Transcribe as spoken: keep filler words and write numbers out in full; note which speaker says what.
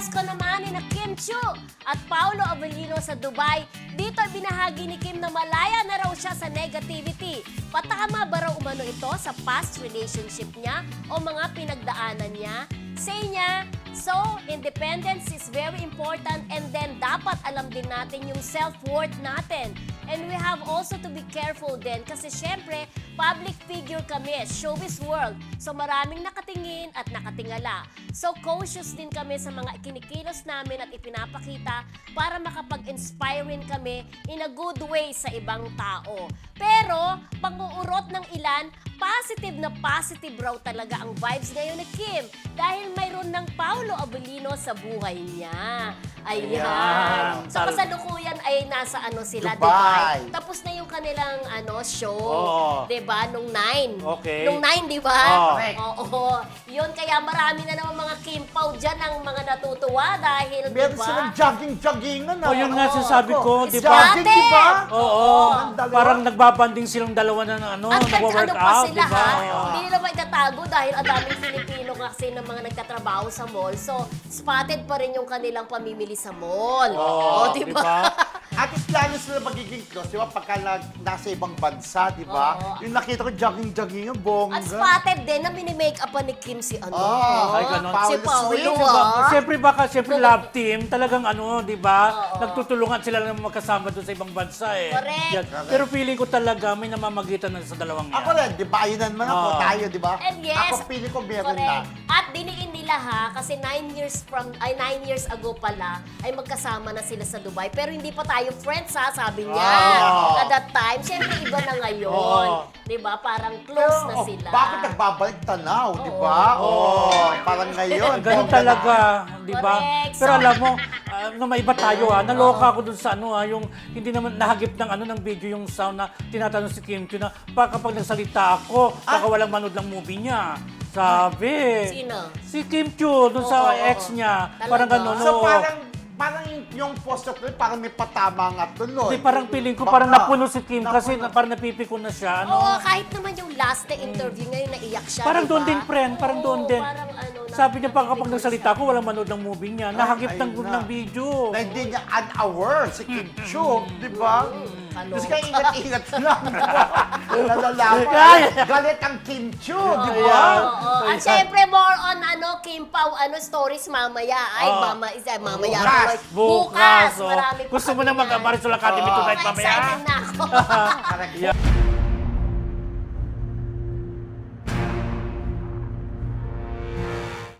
Speaker 1: pwesto naman ni na Kim Chiu at Paolo Avellino sa Dubai. Dito ay binahagi ni Kim na malaya na raw siya sa negativity. Patama ba raw umano ito sa past relationship niya o mga pinagdaanan niya? Say niya, so independence is very important and then dapat alam din natin yung self-worth natin. And we have also to be careful din kasi syempre, public figure kami, showbiz world. So maraming nakatingin at nakatingala. So cautious din kami sa mga ikinikilos namin at ipinapakita para makapag-inspire rin kami in a good way sa ibang tao. Pero, pang-uurot ng ilan, positive na positive raw talaga ang vibes ngayon ni Kim dahil mayroon ng Paolo Avellino sa buhay niya. Ayan.
Speaker 2: Ayan.
Speaker 1: So kasalukuyan ay nasa ano sila,
Speaker 2: Dubai.
Speaker 1: Dubai. Tapos na yung kanilang ano show,
Speaker 2: Oo.
Speaker 1: 'di ba? Nung nine.
Speaker 2: Okay.
Speaker 1: Nung nine, 'di ba?
Speaker 2: Oo.
Speaker 1: Oo. Yun kaya marami na naman mga Kim Pao diyan ang mga natutuwa dahil 'di
Speaker 2: Meron
Speaker 1: ba?
Speaker 2: silang jogging-joggingan.
Speaker 3: O yun nga
Speaker 1: Oo.
Speaker 3: sinasabi ko,
Speaker 2: Ako,
Speaker 3: di
Speaker 2: it's
Speaker 3: ba?
Speaker 2: jogging, di ba?
Speaker 3: Oo.
Speaker 2: Ang dalawa.
Speaker 3: Parang nagbabanding silang dalawa na ano,
Speaker 1: At nag-
Speaker 3: nagwa-work
Speaker 1: ano pa
Speaker 3: out,
Speaker 1: sila
Speaker 3: di ba?
Speaker 1: ha,
Speaker 3: Oo.
Speaker 1: hindi nila maitatago dahil ang daming Filipino kasi ng mga nagtatrabaho sa mall. So, spotted pa rin yung kanilang pamimili sa mall.
Speaker 3: Oo,
Speaker 1: di
Speaker 3: di
Speaker 1: ba?
Speaker 3: ba?
Speaker 2: At plano sila magiging close, di ba? Pagka nag, nasa ibang bansa, di ba?
Speaker 1: Oo.
Speaker 2: Yung nakita ko jogging-jogging yung bongga.
Speaker 1: At spotted din na mini-make up pa ni Kim si ano.
Speaker 2: Oh,
Speaker 3: Ay, ganon.
Speaker 1: Si
Speaker 2: Paolo
Speaker 1: Paolo,
Speaker 2: Sweet,
Speaker 1: ah.
Speaker 3: Siyempre baka, siyempre love team, talagang ano, di ba?
Speaker 1: Oo.
Speaker 3: Nagtutulungan sila na magkasama doon sa ibang bansa eh.
Speaker 1: Correct.
Speaker 3: Yan. Pero feeling ko talaga may namamagitan na sa dalawang yan.
Speaker 2: Ako rin, di ba? Ayun naman ako,
Speaker 3: Oo.
Speaker 2: tayo, di ba?
Speaker 1: And yes,
Speaker 2: Ako feeling ko meron
Speaker 1: correct.
Speaker 2: na.
Speaker 1: At diniin nila ha, kasi nine years from, ay nine years ago pala, ay magkasama na sila sa Dubai. Pero hindi pa tayo friends ha, sabi niya.
Speaker 2: Ah.
Speaker 1: At that time, syempre iba na ngayon.
Speaker 3: Oo.
Speaker 1: Di ba? Parang close na
Speaker 2: oh,
Speaker 1: sila.
Speaker 2: bakit nagbabalik tanaw, di
Speaker 1: Oo.
Speaker 2: ba? Oh, parang ngayon.
Speaker 3: Ganun
Speaker 2: bongga
Speaker 3: talaga, di ba?
Speaker 1: Correct.
Speaker 3: Pero
Speaker 1: So-
Speaker 3: alam mo, uh, na may iba tayo ha, naloka ako dun sa ano ha, yung hindi naman nahagip ng ano ng video yung sound na tinatanong si Kim Chiu na baka kapag nagsalita ako, baka walang manood ng movie niya. Sabi.
Speaker 1: Sino?
Speaker 3: Si Kim Chiu, dun sa
Speaker 1: Oo, oo,
Speaker 3: ex
Speaker 1: oo.
Speaker 3: niya.
Speaker 1: Talaga?
Speaker 3: Parang gano'n.
Speaker 2: So
Speaker 3: oo.
Speaker 2: parang, parang yung post na tuloy, parang may patama nga tuloy.
Speaker 3: Hindi, parang feeling ko,
Speaker 2: Baka.
Speaker 3: parang napuno si Kim kasi
Speaker 2: Napuno.
Speaker 3: na, parang napipikon na siya. Ano?
Speaker 1: Oo, kahit naman yung last na interview ngayon, naiyak siya,
Speaker 3: Parang
Speaker 1: di
Speaker 3: doon
Speaker 1: ba?
Speaker 3: din, friend. Parang
Speaker 1: Oo,
Speaker 3: doon din.
Speaker 1: Parang ano,
Speaker 3: Sabi niya, pag kapag
Speaker 1: napipikon
Speaker 3: nagsalita
Speaker 1: siya.
Speaker 3: ko, walang manood ng movie niya. Nahagip ng,
Speaker 2: ayun na.
Speaker 3: ng video.
Speaker 2: Na hindi niya unaware si Kim Chiu, di ba?
Speaker 1: kaloka.
Speaker 2: Kasi kaya ingat-ingat lang, di ba? Nalalaman.
Speaker 3: Ay!
Speaker 2: Galit ang Kim Chiu, di
Speaker 1: Oo,
Speaker 2: ba?
Speaker 1: oo. At syempre, more on ano, Kim Pao, ano, stories mamaya. Ay,
Speaker 3: Oo.
Speaker 1: mama, isa, mamaya.
Speaker 2: Bukas.
Speaker 3: Bukas. oh.
Speaker 1: Marami pa
Speaker 3: Gusto mo
Speaker 1: kami
Speaker 3: na
Speaker 1: yan.
Speaker 3: mag-Marisol Academy
Speaker 2: Oo.
Speaker 3: tonight mamaya?
Speaker 1: Excited na ako.
Speaker 2: Correct.
Speaker 3: Yeah.